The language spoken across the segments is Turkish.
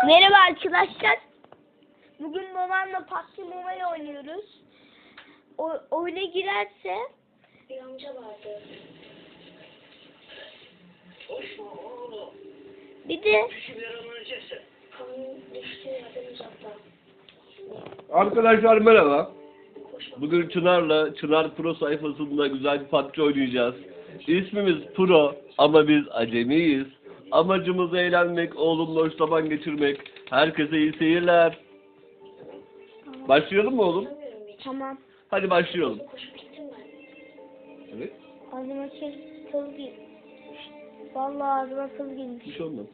Merhaba arkadaşlar. Bugün babamla PUBG Mobile oynuyoruz. Oyuna girerse bir amca vardı. bir de Arkadaşlar merhaba. Bugün Çınar Pro sayfasında güzel bir PUBG oynayacağız. İsmimiz Pro ama biz acemiyiz. Amacımız eğlenmek, oğlumla hoş zaman geçirmek. Herkese iyi seyirler. Başlayalım mı oğlum? tamam. Hadi başlayalım. Evet. Ağzıma kıl girmiş. Vallahi ağzıma kıl girmiş. Bir şey olmaz.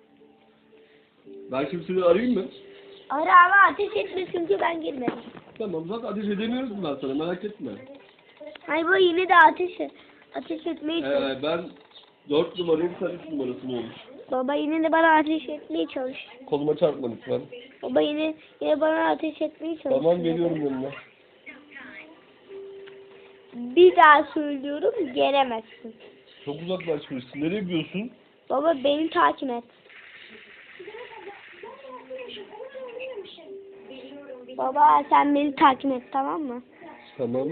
Ben şimdi seni arayayım mı? Ara ama ateş etme çünkü ben girmedim. Tamam, zaten ateş edemiyoruz ben sana, merak etme. Hayır bu yine de ateş etmeye çalış. Ben 4 numarayım, sen 3 numarasın olmuş. Baba yine de bana ateş etmeye çalış. Koluma çarpma lütfen. Baba yine bana ateş etmeye çalış. Tamam, geliyorum yanına. Bir daha söylüyorum, gelemezsin. Çok uzaklaşmışsın. Nereye gidiyorsun? Baba beni takip et. Baba sen beni takip et, tamam mı? Tamam.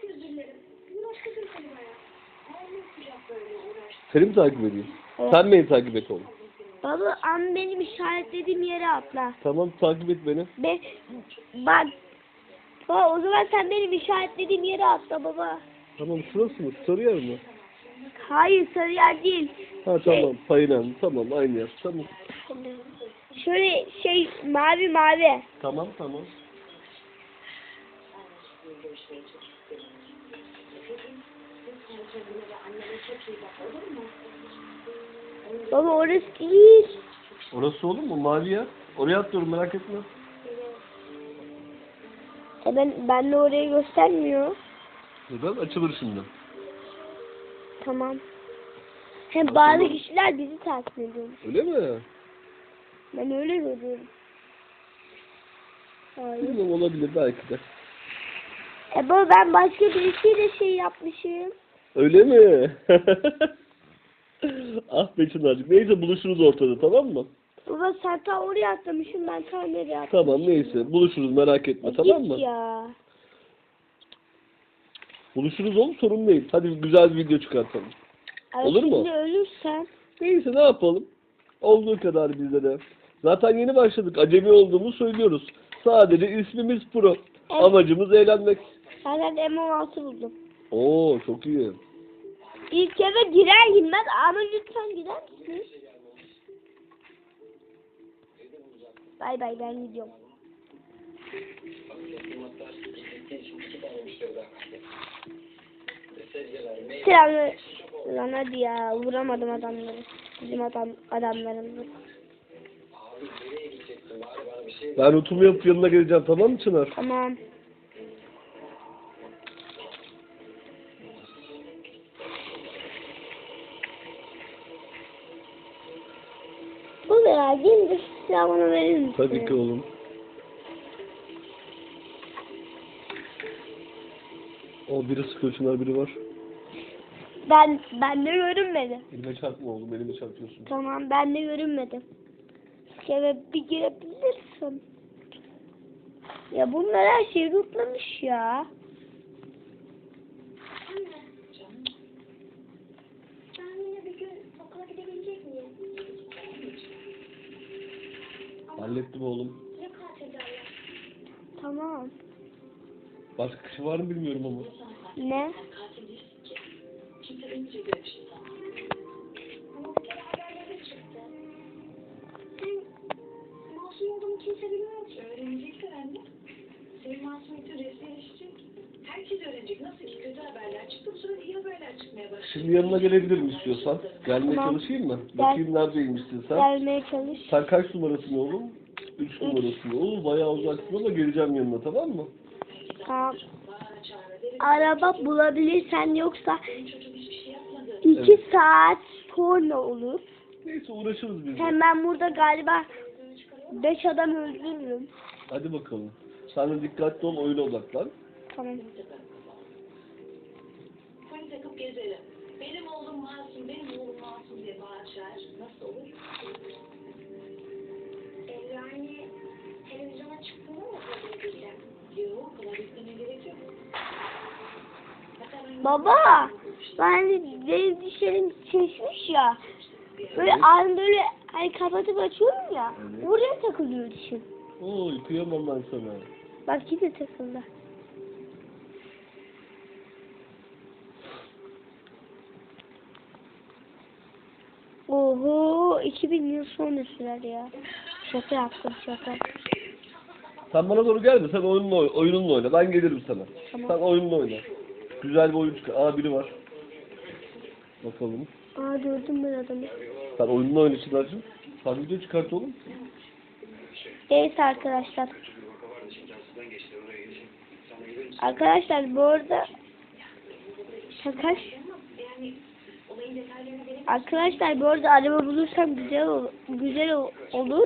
Seni mi takip edeyim? Evet. Sen beni takip et oğlum. Baba ama benim işaretlediğim yere atla. Tamam, takip et beni. Bak. Baba o zaman sen benim işaretlediğim yere atla baba. Tamam, şurası mı? Sarı yer mi? Hayır sarı yer değil. Ha tamam, payınan. Tamam, aynı yer. Tamam. Şöyle mavi. Tamam. Baba orası değil. Orası olur mu? Mavi yer. Oraya atlıyorum, merak etme. Ben de orayı göstermiyor. Neden? Açılır şimdi. Tamam. Hem bazı kişiler bizi takip ediyormuş. Öyle mi? Ben öyle görüyorum. Hayır. Bilmiyorum, olabilir belki de. Baba ben başka birisiyle şey yapmışım. Öyle mi? Ah be Çınar'cığım. Neyse, buluşuruz ortada, tamam mı? Baba sen ta oraya atlamışsın, ben ta nereye atlamışım. Tamam, neyse. Buluşuruz, merak etme, tamam mı? Git ya. Buluşuruz oğlum, sorun değil. Hadi güzel bir video çıkartalım. Olur mu? Şimdi ölürsen. Neyse, ne yapalım? Olduğu kadar bizde de. Zaten yeni başladık. Acemi olduğumuzu söylüyoruz. Sadece ismimiz Pro. Evet. Amacımız eğlenmek. Ben M16 buldum. Oo, çok iyi. İlk eve girer girmez ama lütfen gider misiniz? Bay ben gidiyorum. Selamlar. Lan hadi ya, vuramadım adamları. Bizim adamlarımız. Ben rutumu yapıp yanına geleceğim, tamam mı Çınar? Tamam. Bu ya gelince şu silahı bana verir misin? Tabii ki oğlum. O biri sıkıyor Çınar, biri var. Ben de görünmedi. Elime çarpma oğlum, elime çarpıyorsun. Tamam ben de görünmedi. Şöyle bir girebilirsin. Ya bunlar her şeyi rutlamış ya. Ben yine bir gün okula gidebilecek miyim? Hallettim oğlum. Ne katil derler? Tamam. Başka kişi var mı bilmiyorum ama. Ne? Kimse önce görüştü. Ama bir kere haberlere çıktı. Sen masum olduğumu kimse bilmiyor ki. Öğrenecekler anne. Senin masumiyetin resmileşecek. Herkes öğrenecek. Nasıl ki kötü haberler çıktı, sonra iyi haberler çıkmaya başladı. Şimdi yanına gelebilirim istiyorsan. Gelmeye Tamam. çalışayım mı? Bakayım neredeymişsin sen. Gelmeye çalış. Sen kaç numarasın oğlum? 3 numarasın oğlum. Bayağı uzaksın ama geleceğim yanına, tamam mı? Tamam. Araba bulabilirsen, yoksa Çocuk hiçbir şey yapmadı. 2 saat sonra olur. Neyse, uğraşırız biz de. Hem ben burada galiba 5 adam öldürürüm. Hadi bakalım. Sen de dikkatli ol, oyuna odaklan. Tamam. Polis takıp gezelim. Benim oğlum masum diye bağırır. Nasıl olur? Baba, benim dişlerim şişmiş ya. Böyle ağzım böyle hani kapatıp açıyorum ya. Evet. Oraya takılıyor dişim. Oy kıyamam ben sana. Bak yine takıldı. Oho, 2000 yıl sonra sürer ya. Şaka yaptım şaka. Sen bana doğru gelme. Sen oyununla oyna. Ben gelirim sana. Tamam. Sen oyununla oyna. Güzel bir oyun çıkar. Aa biri var. Bakalım. Aa gördüm ben adamı. Sen oyununla oyna Çınar'cığım. Sen video çıkart oğlum. Evet arkadaşlar. Arkadaşlar bu arada şaka. Arkadaşlar bu arada araba bulursam olur.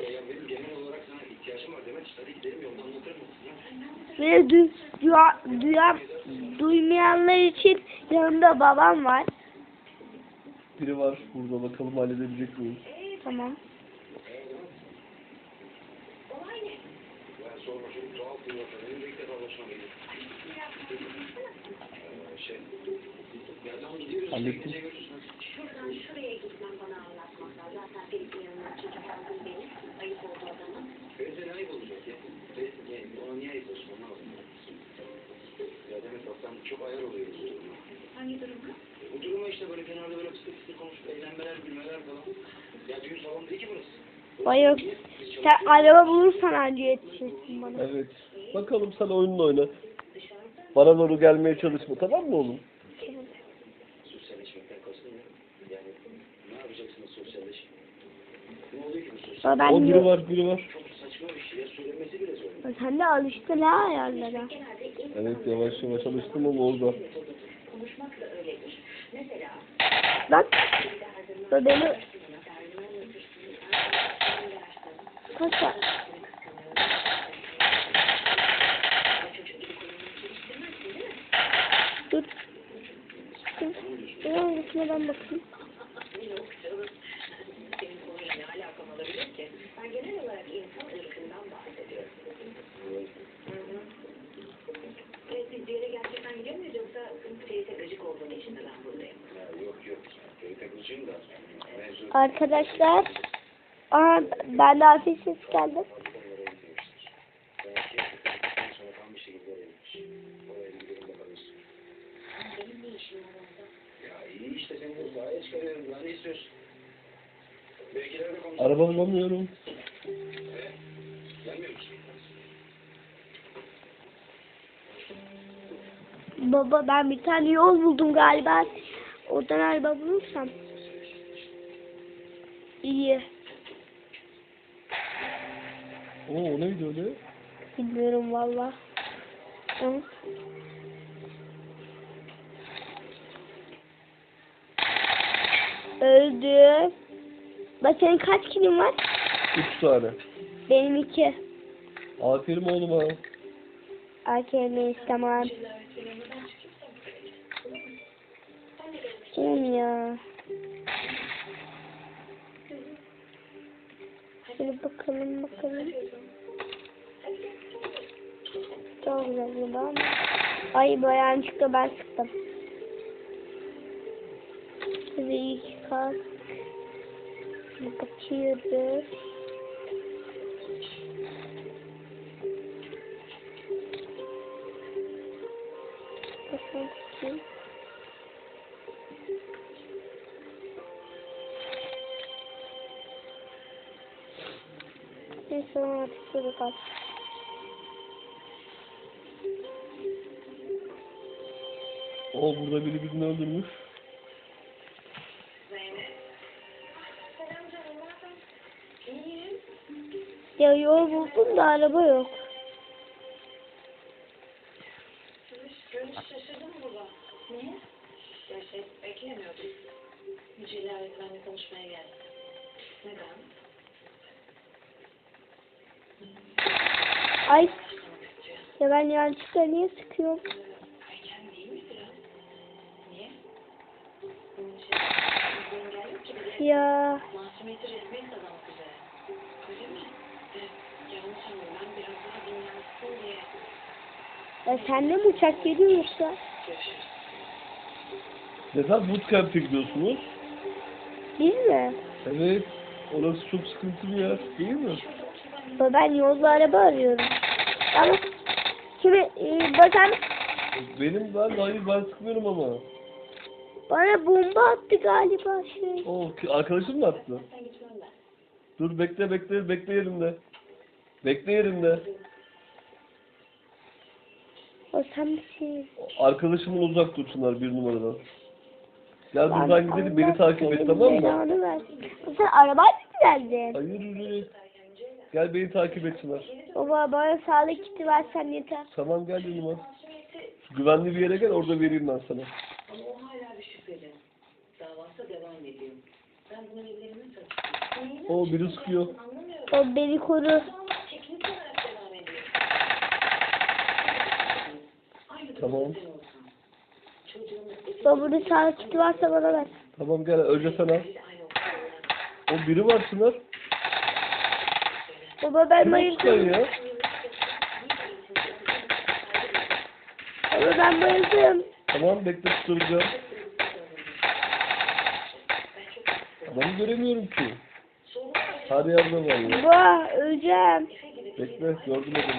Ve duymayanlar için yanımda babam var. Biri var burada. Bakalım halledebilecek miyiz? Tamam. Hallettim. Şuradan şuraya gitmem bana anlatmaklar. Zaten Ferit'in yanından çekip aldım beni. Ayıp oldu adama. Ferit'e ayıp olacak ya. Ona niye ayıp olsun anlamadım. Ya demek bak sen çok ayar oluyorsun. Hangi durumda? Bu duruma işte böyle kenarda böyle fıstık fıstık konuşup eğlenmeler, gülmeler falan. Ya düğün salonu değil ki burası. Vay yok. Sen araba bulursan anca yetişirsin bana. Evet. Bakalım sen oyununla oyna. Bana doğru gelmeye çalışma. Tamam mı oğlum? Sosyalleşmekten kastın ne? Yani ne yapacaksınız sosyalleşip? Ne oluyor ki bu sosyal? Ama ben O biri var, biri var. Çok saçma bir şey ya, söylemesi bile zor. Sen de alıştın ha ayarlara. Evet yavaş yavaş alıştım ama orada. Konuşmak da öyledir. Mesela Bak. Bu beni kaça. Dur. Dur. Hangisine ben bakayım. senin konuyla ne alakam olabilir ki? Ben genel olarak insan ırkından bahsediyorum. Evet, biz bir yere gerçekten gidiyor muyuz yoksa Ferit'e gıcık olduğun için mi ben buradayım? Ya yok yok. Ferit'e kızcıyım da. Mevzu Arkadaşlar. Aa, ben de ateş ses geldi. konulara gitmemiştir. Belki yaptıktan sonra tam bir şekilde öğrenmiş. Oraya bir gidelim bakalım. Benim ne işim var orada? Ya iyi işte seni de sahaya çıkarıyorum. Daha ne istiyorsun? Belki ileride konuşalım. Araba bulamıyorum. Gelmiyor musun? Baba ben bir tane yol buldum galiba. Oradan araba bulursam. İyi. Oo o neydi öyle? Bilmiyorum valla. Hı. Öldü. Bak senin kaç kilin var? 3 tane. Benim 2. Aferin oğluma. Arkadaşlar tamam. Kim ya? Şöyle bakalım. Çok güzel bir ama. Ay bayağı çıktı ben sıktım. Size iyi kalk. Bakıyoruz. Bakın. Neyse artık şurada kal. Oo burada biri birini öldürmüş. Selam canım, ne haber? İyiyim. Ya yol buldum da araba yok. Görüş şaşırdın mı baba? Niye? Ya beklemiyordum. Mücella öğretmenle konuşmaya geldim. Neden? Ay. Ya ben yanlışlıkla niye sıkıyorum? Erken değil mi biraz? Niye? Engel yok ki bir de Ya. masumiyeti resmi kazanmak üzere. Öyle mi? Evet. Yanlış anladım. Ben biraz daha dinlensin diye. Ya sende mi uçak geliyor yoksa? Görüşürüz. Neden bootcamp'e gidiyorsunuz? Biz mi? Evet. Orası çok sıkıntı bir yer değil mi? Ben yolda araba arıyorum. Ama kimi bakan Ben sıkmıyorum ama. bana bomba attı galiba şey. Arkadaşım mı attı? Dur bekle yerimde. Bekle yerimde. O sen misin? Arkadaşımın uzak dursunlar 1 numaradan. Gel buradan gidelim, beni takip et, tamam mı? Belanı versin. Sen arabayla mı geldin? Hayır yürü. Gel beni takip et Çınar. Baba bana sağlık kiti versen yeter. Tamam gel yanıma. Şu güvenli bir yere gel, orada vereyim ben sana. Ama o hala bir şüpheli. Davası devam ediyor. Ben bunu ellerime takıyorum. O biri sıkıyor. Anlamıyorum. O beni koru. Ama teknik olarak devam ediyor. Aynı Tamam. durumda sen olsan. Çocuğun Babanın sağlık kiti varsa bana ver. Tamam gel, önce sen al. aynı okulda. O biri var Çınar. Baba ben Kim o sıkan bayıldım. ya? Baba ben bayıldım. Tamam bekle, tutturacağım. Adamı göremiyorum ki. Her yerde var ya. Baba öleceğim. Bekle, gördüm adamı.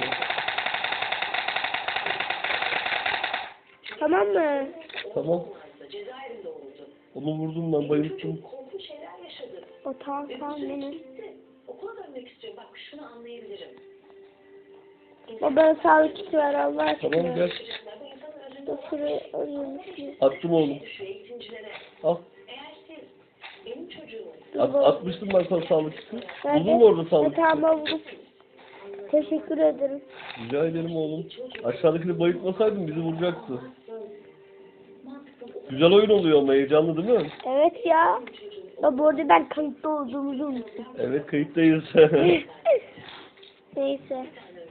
Tamam mı? Tamam. Cezaevinde oldu. Onu vurdum ben, bayılttım. Korkunç şeyler yaşadı. O tamam benim. Gitti. Okula dönmek istiyorum. Bak şunu anlayabilirim. Baba bana sağlık kiti ver Allah aşkına. Tamam gel. Dur şurayı arıyorum. Attım oğlum. Düşüyor eğitimcilere. Al. Eğer siz benim çocuğumu Atmıştım ben sana sağlık kiti. Nerede? Buldun mu orada sağlık kiti? Tamam buldum. Teşekkür ederim. Rica ederim oğlum. Aşağıdakini bayıltmasaydın bizi vuracaktı. Güzel oyun oluyor ama, heyecanlı değil mi? Evet ya. Ya bu arada ben kayıtta olduğumuzu unuttum. Evet, kayıttayız. Neyse.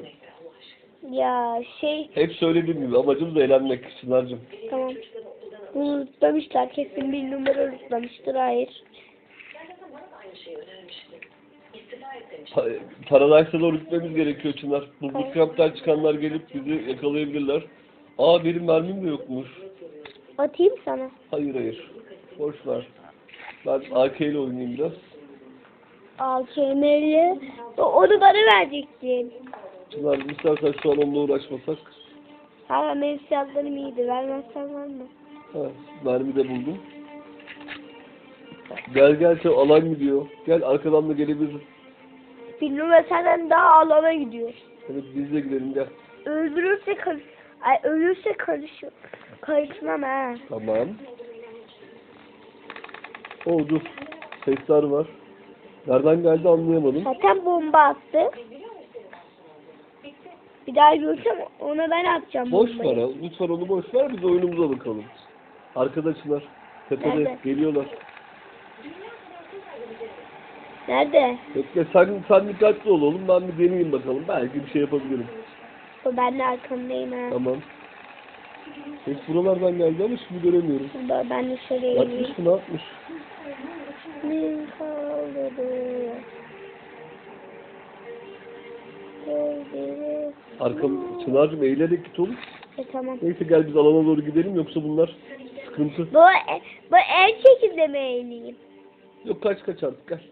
Ya şey Hep söylediğim gibi amacımız eğlenmek Çınar'cığım. tamam. Unutmamışlar. Kesin 1 numara unutmamıştır. Hayır. zaten bana da aynı şeyi önermişti. İstifa et demiş. Paradise'a doğru gitmemiz gerekiyor Çınar. Bu bootcamp'ten çıkanlar gelip bizi yakalayabilirler. Benim mermim de yokmuş. Atayım sana. Hayır. Boş ver. Ben AK ile oynayayım biraz. AKM'li. Onu bana verecektin. Çınar istersen şu an onunla uğraşmasak. Hala benim silahlarım iyiydi. Vermezsen var mı? Ha, mermi de buldum. Gel sen, alan gidiyor. Gel arkadan da gelebiliriz. 1 numara senden daha alana gidiyor. Evet biz de gidelim gel. Öldürürse ölürse karışmam ha. Tamam. Dur. Sesler var. Nereden geldi anlayamadım. Zaten bomba attı. Bir daha görsem ona ben atacağım Boş bombayı. ver ha. Lütfen onu boş ver. Biz oyunumuza bakalım. Arkadaşlar. Tepede Nerede? geliyorlar. Nerede? Bekle sen dikkatli ol oğlum. Ben bir deneyeyim bakalım. Belki bir şey yapabilirim. Ben de arkandayım ha. Tamam. Ses buralardan geldi ama şimdi göremiyorum. Ben de şuraya ineyim. Yapmış mı, ne yapmış? Ne kaldırdı? Çınar'cığım eğilerek git oğlum. Tamam. Neyse gel biz alana doğru gidelim yoksa bunlar sıkıntı. Bu el şekilde mi eğileyim? Yok kaç artık gel.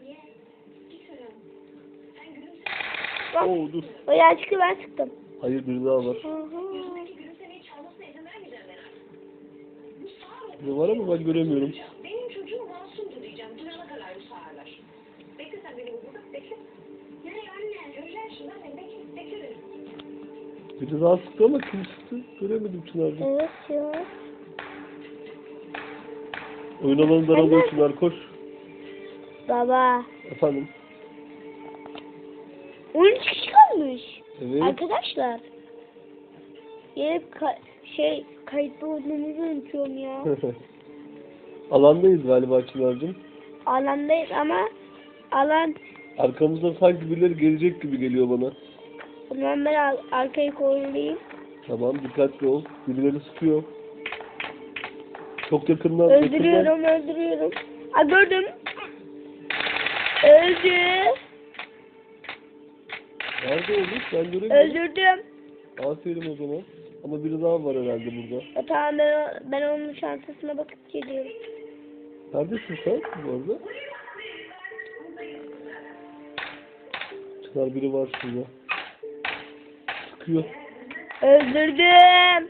Bak. Dur. O yanlışlıkla ben sıktım. Hayır bir daha var. Gülümsemeyi çalmasına izin vermeyeceğim ben. Ne var ama ben göremiyorum. Benim çocuğum masumdu diyeceğim. Duyana kadar bu sağırlar. Bekle sen beni burada. Bekle. Nereye anne? Göreceğim şimdi anne. Bekle dedim. Biri daha sıktı ama kim sıktı? Göremedim Çınar'cığım. Evet ya. Oyun alanı daralıyor Çınar, koş. Baba. Efendim. 13 kişi kalmış. Evet. Arkadaşlar. Hep kayıtlı olduğumuzu unutuyorum ya. Alandayız galiba Çınar'cığım. Alandayız ama alan Arkamızdan sanki birileri gelecek gibi geliyor bana. o zaman ben arkayı korulayım. Tamam dikkatli ol. Birileri sıkıyor. Çok yakından. Öldürüyorum. Gördüm. Öldü. Nerede oğlum? Ben göremiyorum. Öldürdüm. Aferin o zaman. Ama biri daha var herhalde burada. Tamam ben onun çantasına bakıp geliyorum. Neredesin sen bu arada? Çınar biri var şurada. Sıkıyor. Öldürdüm.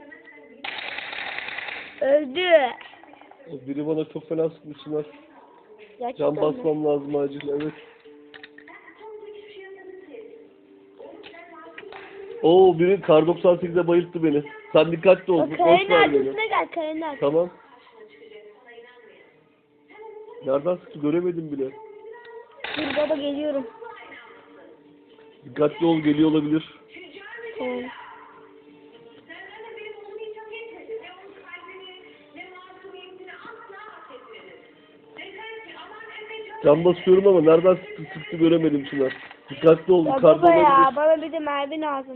Öldü. O biri bana çok fena sıkmış Çınar. Gerçekten Can mi? basmam lazım acil, evet. Oo, biri kar 98'de bayılttı beni. Sen dikkatli ol. O Boş kayanın ver beni. arkasına gel, kayanın arkasına. Tamam. Nereden sıktı göremedim bile. Dur baba geliyorum. Dikkatli ol, geliyor olabilir. Tamam. Can basıyorum ama nereden sıktı göremedim Çınar. Dikkatli ol, Ya yukarıda baba ya, olabilir. bana bir de mermi lazım.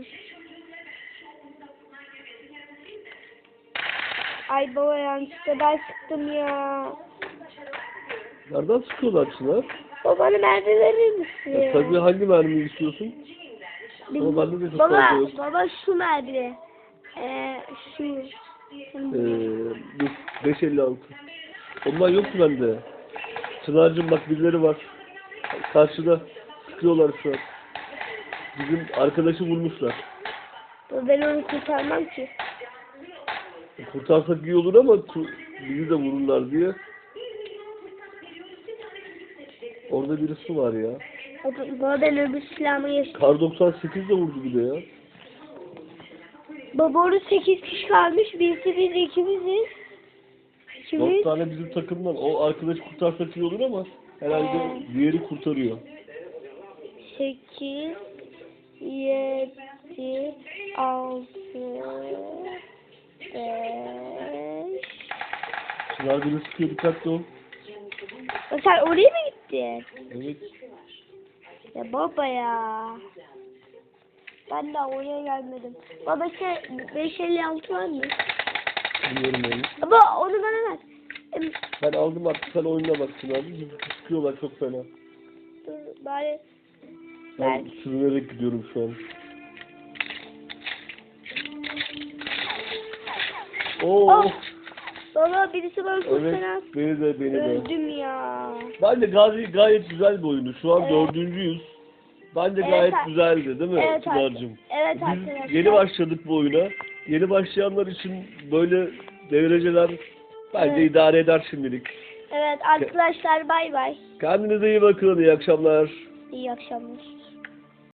Ay baba yanlışlıkla ben sıktım ya. Nereden sıkıyorlar Çınar? Baba bana mermi verir misin? Ya, tabii hangi mermiyi istiyorsun? Ama bende de çok fazla Baba, yok. baba şu mermi. Şu. Dur, 5.56. Ondan yoktu bende. Çınar'cığım bak birileri var. Karşıda sıkıyorlar şu an. Bizim arkadaşı vurmuşlar. Ben onu kurtarmam ki. Kurtarsak iyi olur ama bizi de vururlar diye. Orada birisi var ya. Baba ben öbür silahımı yaşadım. Kar 98 de vurdu bir de ya. Baba orada 8 kişi kalmış. Birisi biz ikimiziz. 4 İkimiz. tane bizim takımdan. O arkadaşı kurtarsak iyi olur ama herhalde diğeri kurtarıyor. 8 7 6 5 Çınar beni sıkıyor, dikkatli ol. Sen oraya mı gittin? Evet. Ya baba ya. Ben de oraya gelmedim. Baba 556 var mı? Bilmiyorum yani. Baba onu bana ver. Ben aldım artık, sen oyuna bak Çınar. Bizi sıkıyorlar çok fena. Dur bari. Ben sürünerek gidiyorum şu an. Oo. Oh. Baba birisi bana çok Evet, fena. beni de. Öldüm ya. Bence gayet güzel bir oyunu. Şu an Evet. 4.'yüz. Bence Evet, gayet güzeldi değil mi evet, Çınar'cığım? evet Biz arkadaşlar. yeni başladık bu oyuna. Yeni başlayanlar için böyle dereceler bence Evet. idare eder şimdilik. Evet arkadaşlar bay bay. Kendinize iyi bakın. İyi akşamlar. İyi akşamlar.